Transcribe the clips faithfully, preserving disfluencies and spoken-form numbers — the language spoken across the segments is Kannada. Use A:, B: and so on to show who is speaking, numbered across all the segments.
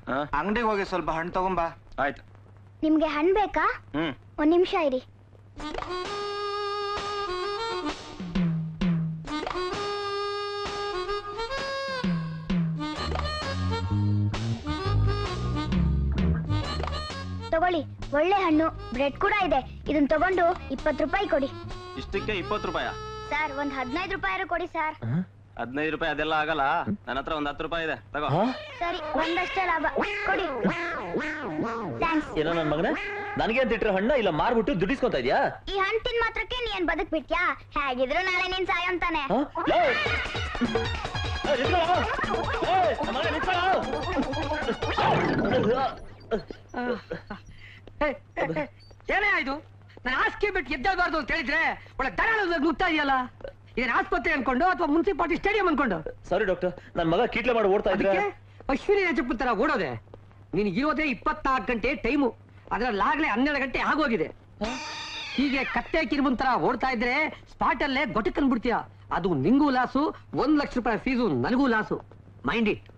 A: ಅಂಗಡಿಗೆ ಹೋಗಿ ಸ್ವಲ್ಪ ಹಣ್ಣು ತಗೊಂಬಾ.
B: ಆಯ್ತು.
C: ನಿಮ್ಗೆ ಹಣ್ಣು ಬೇಕಾ?
B: ಹ್ಮ್
C: ಒಂದ್ ನಿಮಿಷ ಇರಿ. ತಗೊಳ್ಳಿ, ಒಳ್ಳೆ ಹಣ್ಣು, ಬ್ರೆಡ್ ಕೂಡ ಇದೆ. ಇದನ್ನ ತಗೊಂಡು ಇಪ್ಪತ್ತು ರೂಪಾಯಿ ಕೊಡಿ.
B: ಇಷ್ಟಕ್ಕೆ ಇಪ್ಪತ್ತು ರೂಪಾಯ?
C: ಸರ್ ಒಂದ್ ಹದಿನೈದು ರೂಪಾಯಿ ಕೊಡಿ ಸರ್.
B: ಹದಿನೈದು ರೂಪಾಯಿ ಅದೆಲ್ಲ ಆಗಲ್ಲ, ನನ್ನ ಹತ್ರ ಒಂದ್ ಹತ್ತು ರೂಪಾಯಿ ಇದೆ, ತಗೋ.
C: ಸರಿ, ಒಂದಷ್ಟೇ ಲಾಭ ಕೊಡಿ. ಥ್ಯಾಂಕ್ಸ್.
D: ಏನೋ ನನ್ ಮಗನ ನನಗೆ ಅಂತ ಇಟ್ರೆ ಹಣ್ಣ ಇಲ್ಲ ಮಾರ್ಬಿಟ್ಟು ದುಡ್ಡಿಸ್ಕೊಂತ ಇದ್ಯಾ?
C: ಈ ಹಣ್ಣು ತಿನ್ ಮಾತ್ರಕ್ಕೆ ನೀನ್ ಬದುಕ್ ಬಿಟ್ಯಾ? ಹೇಗಿದ್ರು ನಾಳೆ ನೀನ್ ಸಾಯಂತಾನೆ.
E: ಏನೇ ಆಯ್ತು? ನಾನು ಹಾಸಿಗೆ ಬಿಟ್ಟು ಎದ್ದೇಳಬಾರ್ದು ಅಂತ ಹೇಳಿದ್ರೆ ಒಳ್ಳೆ ದರಾಳ ನುಗ್ತಾ ಇದೆಯಲ್ಲ. ಇದೇನು ಆಸ್ಪತ್ರೆ ಅನ್ಕೊಂಡು ಅಥವಾ ಮುನ್ಸಿಪಾಲಿಟಿ ಸ್ಟೇಡಿಯಂ ಅನ್ಕೊಂಡು?
D: ಸಾರಿ ಡಾಕ್ಟರ್, ನನ್ ಮಗ ಕೀಟ್ಲೆ ಮಾಡಿ ಓಡ್ತಾ ಇದ್ರೆ
E: ಅಶ್ವಿನಿ ರಾಜಪೂತ್ ತರ ಓಡೋದೆ. ನೀನ್ ಇರೋದೇ ಇಪ್ಪತ್ನಾಲ್ಕು ಗಂಟೆ ಟೈಮು, ಅದ್ರಲ್ಲಾಗ್ಲೇ ಹನ್ನೆರಡು ಗಂಟೆ ಆಗೋಗಿದೆ. ಹೀಗೆ ಕತ್ತೆ ಕಿರುಬನ್ ತರ ಓಡ್ತಾ ಇದ್ರೆ ಸ್ಪಾಟ್ ಅಲ್ಲೇ ಗೊಟಕನ್ ಬಿಡ್ತೀಯ. ಅದು ನಿಂಗೂ ಲಾಸು, ಒಂದ್ ಲಕ್ಷ ರೂಪಾಯಿ ಫೀಸು ನನಗೂ ಲಾಸು. Mind it.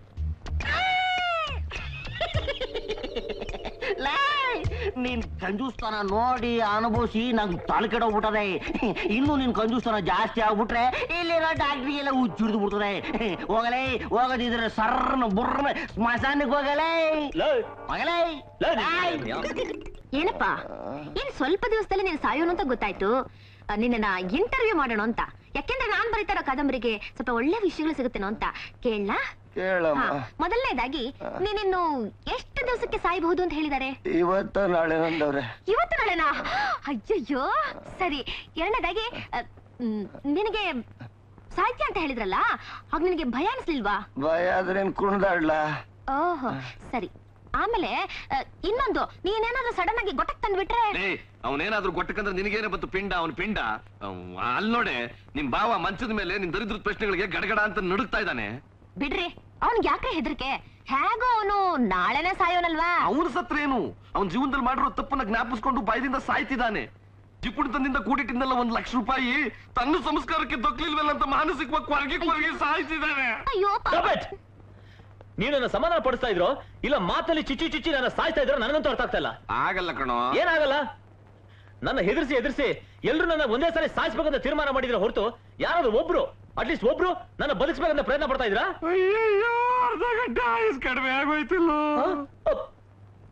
F: ನೀನ್ ಕಂಜೂಸ್ತಾನ ನೋಡಿ ಅನುಭವಿಸಿ ನಂಗೆ ತಲೆ ಕೆಡೋಗ್ಬಿಟ್ಟದೆ. ಇನ್ನು ನಿನ್ ಕಂಜೂಸ್ತಾನ ಜಾಸ್ತಿ ಆಗ್ಬಿಟ್ರೆ ಇಲ್ಲಿರೋ ಡಾಕ್ಟ್ರಿಗೆಲ್ಲ ಹುಚ್ಚಿಡ್ದು ಬಿಡ್ತದೆ. ಹೋಗಲೇ, ಹೋಗದಿದ್ರೆ ಸರ್ನ ಬುರ್ನ ಸ್ಮಶಾನಕ್ಕೆ ಹೋಗಲೇ ಹೋಗಲೇ.
G: ಏನಪ್ಪಾ, ಏನ್ ಸ್ವಲ್ಪ ದಿವಸದಲ್ಲಿ ನೀನ್ ಸಾಯೋನು ಅಂತ ಗೊತ್ತಾಯ್ತು. ನಿನ್ನ ಇಂಟರ್ವ್ಯೂ ಮಾಡೋಣ ಅಂತ. ಯಾಕೆಂದ್ರೆ ನಾನ್ ಬರೀತಾರೋ ಕಾದಂಬರಿಗೆ ಸ್ವಲ್ಪ ಒಳ್ಳೆ ವಿಷಯಗಳು ಸಿಗುತ್ತೇನೋ ಅಂತ ಕೇಳಲಾ? ಮೊದಲನೇದಾಗಿ ನೀನಿನ್ನು ಎಷ್ಟು ದಿವಸಕ್ಕೆ ಸಾಯಬಹುದು ಅಂತ ಹೇಳಿದಾರೆ?
F: ಇವತ್ತು ನಾಳೆ ನಂದವ್ರೆ.
G: ಇವತ್ತು ನಾಳೆನಾ? ಅಯ್ಯಯ್ಯೋ. ಸರಿ, ಎರಡನೇದಾಗಿ ನಿನಗೆ ಸಾಹಿತ್ಯ ಅಂತ ಹೇಳಿದ್ರಲ್ಲ, ಆಗ ನಿನಗೆ ಭಯ ಅನಿಸ್ಲಿಲ್ವಾ?
F: ಭಯ ಆದ್ರೆ ಕುಣ್ದಾಡ್ಲಾ?
G: ಓಹೋ ಸರಿ. ಆಮೇಲೆ ಇನ್ನೊಂದು, ನೀನೇನಾದ್ರೂ ಸಡನ್ ಆಗಿ ಗೊಟ್ಟಕ್ ತಂದ್ಬಿಟ್ರೆ?
B: ಅವನೇನಾದ್ರೂ ಗೊಟ್ಟಕಂದ್ರೆ ನಿನಗೇನೆ ಬತ್ತು ಪಿಂಡ, ಅವನ್ ಪಿಂಡ. ಅಲ್ಲಿ ನೋಡೆ, ನಿಮ್ ಬಾವ ಮಂಚದ ಮೇಲೆ ನಿನ್ ದರಿದ್ರ ಪ್ರಶ್ನೆಗಳಿಗೆ ಗಡಗಡ ಅಂತ ನಡುಗ್ತಾ ಇದ್ದಾನೆ.
G: ಬಿಡ್ರಿ, ಅವನ್ಗೆ ಯಾಕೆ ಹೆದರಿಕೆ? ಹೇಗೋ ಅವನು ನಾಳೆನೆ ಸಾಯೋನಲ್ವಾ?
B: ಅವನು ಸತ್ರೇನು? ಅವನ್ ಜೀವನದಲ್ಲಿ ಮಾಡಿರೋ ತಪ್ಪನ್ನ ಜ್ಞಾಪಿಸ್ಕೊಂಡು ಬಾಯದಿಂದ ಸಾಯ್ತಿದ್ದಾನೆ. ಜಿಪುಣಿತನದಿಂದ ಕೂಡಿಟ್ಟಿದ್ದಲ್ಲ ಒಂದ್ ಲಕ್ಷ ರೂಪಾಯಿ ತನ್ನ ಸಂಸ್ಕಾರಕ್ಕೆ ದೊಕ್ಲಿಲ್ವಲ್ಲ ಅಂತ ಮಾನಸಿಕವಾಗಿ ಕೊರಗಿ ಕೊರಗಿ ಸಾಯ್ತಿದ್ದಾನೆ.
G: ಅಯ್ಯೋ,
D: ನೀವು ನನ್ನ ಸಮಾಧಾನ ಪಡಿಸ್ತಾ ಇದ್ರು ಇಲ್ಲ ಮಾತಲ್ಲಿ ಚಿಚ್ಚಿ ಚಿಚ್ಚಿ ನನ್ನ ಸಾಯ್ತಾ ಇದ್ರು ನನಗಂತೂ ಅರ್ಥ ಆಗ್ತಾ ಇಲ್ಲ.
B: ಆಗಲ್ಲ ಕಣೋ.
D: ಏನಾಗಲ್ಲ? ನನ್ನ ಹೆದರ್ಸಿ ಎದುರಿಸಿ ಎಲ್ರು ನನ್ನ ಒಂದೇ ಸಾರಿ ಸಾಯಿಸ್ಬೇಕಂತ ತೀರ್ಮಾನ ಮಾಡಿದ್ರೆ ಹೊರತು ಯಾರಾದ್ರೂ ಒಬ್ರು ಅಟ್ಲೀಸ್ಟ್ ಒಬ್ರು ನನ್ನ ಬದುಕಿಸ್ಬೇಕಂತ ಪ್ರಯತ್ನ ಪಡ್ತಾ ಇದ್ರಾ?
B: ಅರ್ಧ ಗಂಟೆ ಆಯುಸ್ ಕಡಿಮೆ ಆಗೋಯ್ತಿಲ್ಲ.